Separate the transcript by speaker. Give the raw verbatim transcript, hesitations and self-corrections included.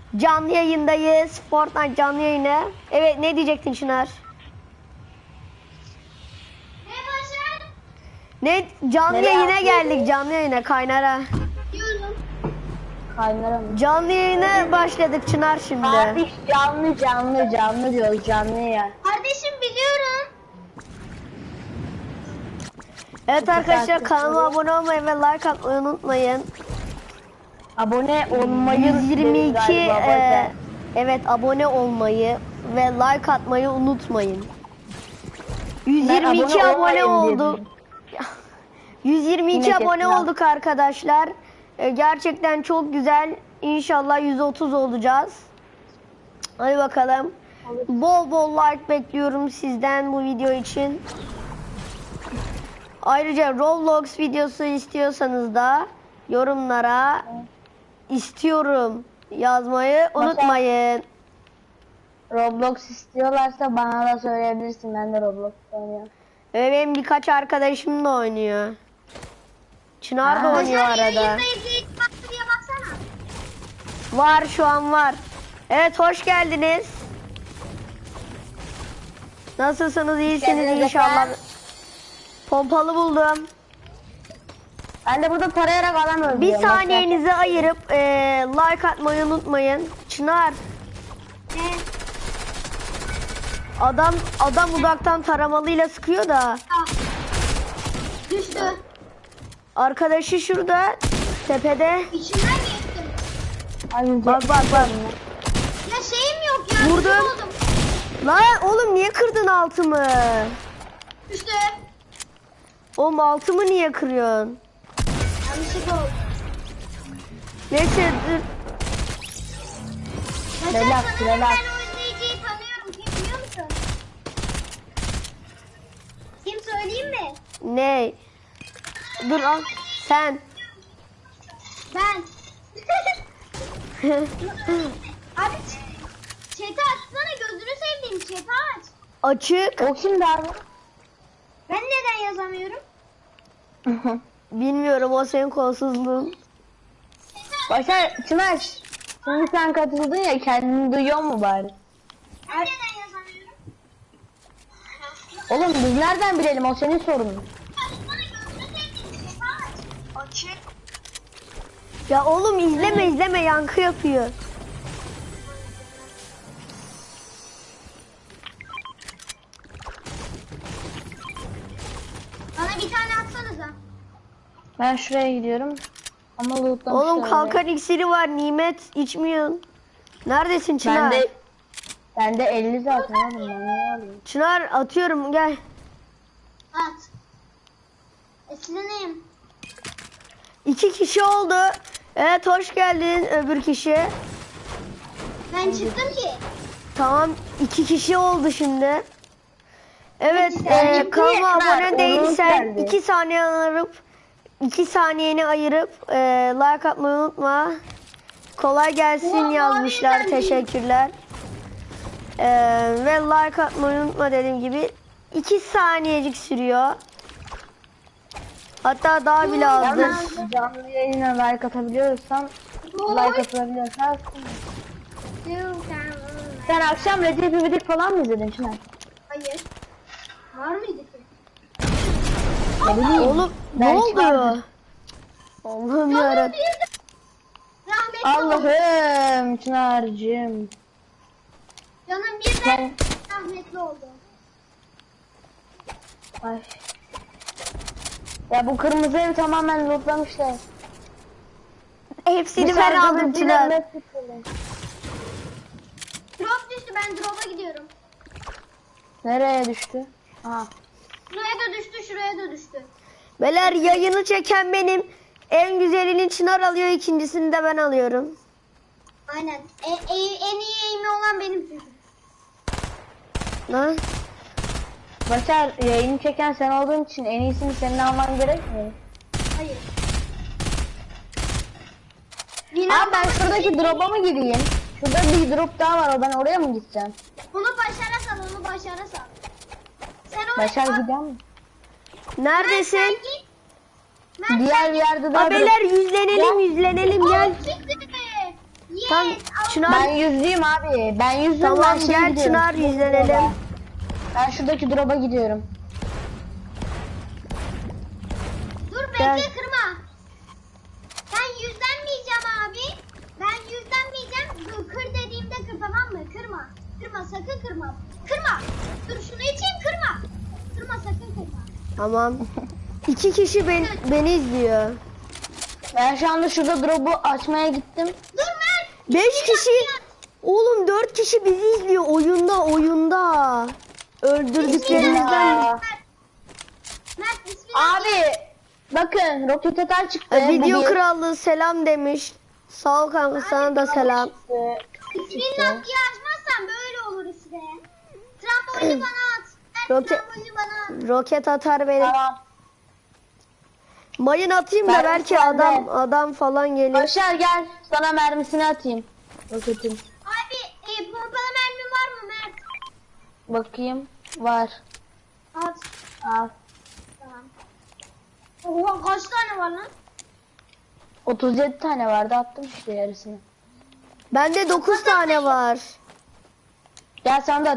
Speaker 1: Canlı yayındayız. Fortnite canlı yayını. Evet, ne diyecektin Çınar?
Speaker 2: Ne başar?
Speaker 1: Ne canlı
Speaker 3: Nereye
Speaker 1: yayına
Speaker 3: atıyorsun?
Speaker 1: geldik, canlı yayına, Kaynar'a.
Speaker 2: Diyorum.
Speaker 3: Kaynara mı?
Speaker 1: Canlı yayına başladık Çınar şimdi.
Speaker 3: Abi canlı canlı canlı diyoruz canlı ya.
Speaker 2: Kardeşim biliyorum.
Speaker 1: Evet arkadaşlar,
Speaker 3: takip
Speaker 1: kanalıma
Speaker 3: ediyorum.
Speaker 1: abone olmayı ve like atmayı unutmayın.
Speaker 3: Abone olmayı
Speaker 1: yüz yirmi iki
Speaker 3: galiba,
Speaker 1: e,
Speaker 3: bazen.
Speaker 1: evet, abone olmayı ve like atmayı unutmayın. yüz yirmi iki
Speaker 3: Ben
Speaker 1: abone
Speaker 3: abone olmayayım
Speaker 1: olduk.
Speaker 3: dedim.
Speaker 1: yüz yirmi iki
Speaker 3: Yine
Speaker 1: abone
Speaker 3: kesin al.
Speaker 1: olduk arkadaşlar. E, gerçekten çok güzel. İnşallah yüz otuz olacağız. Hadi bakalım. Bol bol like bekliyorum sizden bu video için. Ayrıca Roblox videosu istiyorsanız da yorumlara istiyorum yazmayı unutmayın.
Speaker 3: Roblox istiyorlarsa bana da söyleyebilirsin. Ben de Roblox oynuyorum.
Speaker 1: Ve benim birkaç arkadaşım da oynuyor. Çınar da
Speaker 3: Aa.
Speaker 1: oynuyor
Speaker 2: Başar
Speaker 1: arada.
Speaker 2: yayında izleyip baktı diye baksana.
Speaker 1: Var, şu an var. Evet, hoş geldiniz. Nasılsınız? İyisiniz
Speaker 3: geldiniz
Speaker 1: inşallah.
Speaker 3: efendim.
Speaker 1: Pompalı buldum.
Speaker 3: Ben de burada tarayarak adam öldürüyorum.
Speaker 1: Bir
Speaker 3: Bak
Speaker 1: saniyenizi ayırıp eee, like atmayı unutmayın. Çınar,
Speaker 2: Ne?
Speaker 1: adam adam uzaktan taramalıyla sıkıyor da.
Speaker 2: Aa. Düştü.
Speaker 1: Arkadaşı şurada tepede.
Speaker 2: İçinden geçtim.
Speaker 3: sen- Ay,
Speaker 1: Bak bak bak.
Speaker 2: Ya şeyim yok ya.
Speaker 1: Vurdum.
Speaker 2: düşük oldum.
Speaker 1: Lan oğlum, niye kırdın altımı?
Speaker 2: Düştü.
Speaker 1: Oğlum, altımı niye kırıyorsun?
Speaker 2: Yanlışlıkla oldu.
Speaker 1: Neyse dur.
Speaker 2: Başar,
Speaker 3: Relax,
Speaker 2: sanırım
Speaker 3: relax.
Speaker 2: ben o izleyiciyi tanıyorum. Kim biliyor musun? Kim söyleyeyim mi?
Speaker 1: Ne? Dur al. Sen.
Speaker 2: Ben. Abi chat'i açsana, gözünü seveyim, chat'i aç.
Speaker 1: Açık.
Speaker 3: O kimdi abi?
Speaker 2: Ben neden yazamıyorum?
Speaker 1: Bilmiyorum, o senin kolsuzluğun.
Speaker 3: Başar, Çınar. Şimdi sen katıldın ya, kendini duyuyor mu bari?
Speaker 2: Ben neden yazamıyorum?
Speaker 3: Oğlum biz nereden bilelim, o senin sorunun.
Speaker 2: Açsana, gözünü seveyim, chat'i aç. Açık.
Speaker 1: Ya oğlum, izleme izleme, yankı yapıyor.
Speaker 2: Bana bir tane atsanıza.
Speaker 3: Ben şuraya gidiyorum. Ama lootlamışlar.
Speaker 1: Oğlum,
Speaker 3: orayı.
Speaker 1: kalkan iksiri var, nimet içmiyorsun. Neredesin Çınar?
Speaker 3: Bende, bende elli zaten oğlum, ben ne alayım?
Speaker 1: Çınar, atıyorum, gel.
Speaker 2: At. Esleneyim.
Speaker 1: İki kişi oldu. Evet, hoş geldin öbür kişi.
Speaker 2: Ben çıktım ki.
Speaker 1: Tamam, iki kişi oldu şimdi. Evet,
Speaker 3: Ben
Speaker 1: e,
Speaker 3: çıktım
Speaker 1: kanalıma
Speaker 3: ya, Çınar,
Speaker 1: abone değilsen
Speaker 3: geldi.
Speaker 1: iki saniye ayırıp iki saniyeni ayırıp e, like atmayı unutma. Kolay gelsin
Speaker 2: Ulan,
Speaker 1: yazmışlar,
Speaker 2: abi,
Speaker 1: teşekkürler. E, ve like atmayı unutma, dediğim gibi iki saniyecik sürüyor. Hatta daha bile azdır.
Speaker 3: Yalnız canlı yayına like atabiliyorsan, like atabiliyorsan. Sen akşam Recep İvedik falan mı izledin Çınar?
Speaker 2: Hayır. Var mıydı ki?
Speaker 3: Ne bileyim.
Speaker 1: Oğlum, ne
Speaker 3: Ben
Speaker 1: oldu?
Speaker 3: çıkardım.
Speaker 1: Allah'ım
Speaker 2: Canım
Speaker 1: yarabbim.
Speaker 2: bir de- Rahmetli oldu.
Speaker 3: Allah'ım Çınar'cığım.
Speaker 2: Canım birden
Speaker 3: Ben...
Speaker 2: rahmetli oldu.
Speaker 3: Ay. Ya bu kırmızı ev tamamen lootlamışlar.
Speaker 1: Hepsini
Speaker 3: Bu
Speaker 1: ben
Speaker 3: sargılı
Speaker 1: aldım
Speaker 3: bir
Speaker 1: Çınar.
Speaker 3: de ne-
Speaker 2: Drop düştü, ben drop'a gidiyorum.
Speaker 3: Nereye düştü? Aha.
Speaker 2: Şuraya da düştü, şuraya da düştü.
Speaker 1: Beyler, yayını çeken benim. En güzelini Çınar alıyor, ikincisini de ben alıyorum.
Speaker 2: Aynen. E, e, en iyi eğimi olan benim çünkü.
Speaker 1: Lan.
Speaker 3: Başar, yayını çeken sen olduğun için en iyisini senin alman gerekmiyor.
Speaker 2: Hayır.
Speaker 3: Abi ben şuradaki drop'a mı gireyim? Şurada bir drop daha var, o ben oraya mı gideceğim?
Speaker 2: Bunu Başar'a sal, onu Başar'a sal. Sen onu...
Speaker 3: Başar gidiyor mu?
Speaker 1: Neredesin?
Speaker 2: Sen git. Ben
Speaker 3: Diğer bir yerde daha
Speaker 1: Ha beyler, yüzlenelim yüzlenelim, gel.
Speaker 2: Siktir be. Yes.
Speaker 1: Tam
Speaker 2: Allah-
Speaker 1: Çınar.
Speaker 3: Ben yüzlüyüm abi. Ben yüzlüyüm.
Speaker 1: Tamam,
Speaker 3: ben şeye
Speaker 1: gel
Speaker 3: gidiyorum.
Speaker 1: Çınar, yüzlenelim.
Speaker 3: Ben şuradaki drop'a gidiyorum.
Speaker 2: Dur bekle
Speaker 1: Gel.
Speaker 2: kırma. Ben yüzlenmeyeceğim abi. Ben yüzlenmeyeceğim. Dur, kır dediğimde kır, tamam mı? Kırma. Kırma, sakın kırma. Kırma. Dur şunu içeyim, kırma. Kırma, sakın kırma.
Speaker 1: Tamam. İki kişi ben, beni izliyor.
Speaker 3: Ben şu anda şurada drop'u açmaya gittim.
Speaker 2: Dur Mert.
Speaker 1: Beş kişi. Oğlum dört kişi bizi izliyor oyunda oyunda. Öldürdüklerimizden.
Speaker 3: Aa.
Speaker 2: Mert bismillah.
Speaker 3: Abi bakın roket atar çıktı.
Speaker 1: E, Video
Speaker 3: Bu bir.
Speaker 1: krallığı selam demiş. Sağ ol kanka, sana da selam.
Speaker 3: Çıktı.
Speaker 2: Bismillah diye açmazsan böyle olur işte. Trambolini bana at. Mert
Speaker 1: Roket-
Speaker 2: trambolini bana at.
Speaker 1: Roket atar beni.
Speaker 3: Tamam.
Speaker 1: Mayın atayım da
Speaker 3: Ben-
Speaker 1: belki
Speaker 3: ben de.
Speaker 1: adam adam falan gelir.
Speaker 3: Başar gel. Sana mermisini atayım. Roketin.
Speaker 2: Abi e, pompalı mermin var mı Mert?
Speaker 3: Bakayım. Var.
Speaker 2: At.
Speaker 3: Al.
Speaker 2: Tamam. Oha kaç tane var lan?
Speaker 3: otuz yedi tane vardı, attım işte yarısını.
Speaker 1: Bende dokuz tane var.
Speaker 3: Gel sana da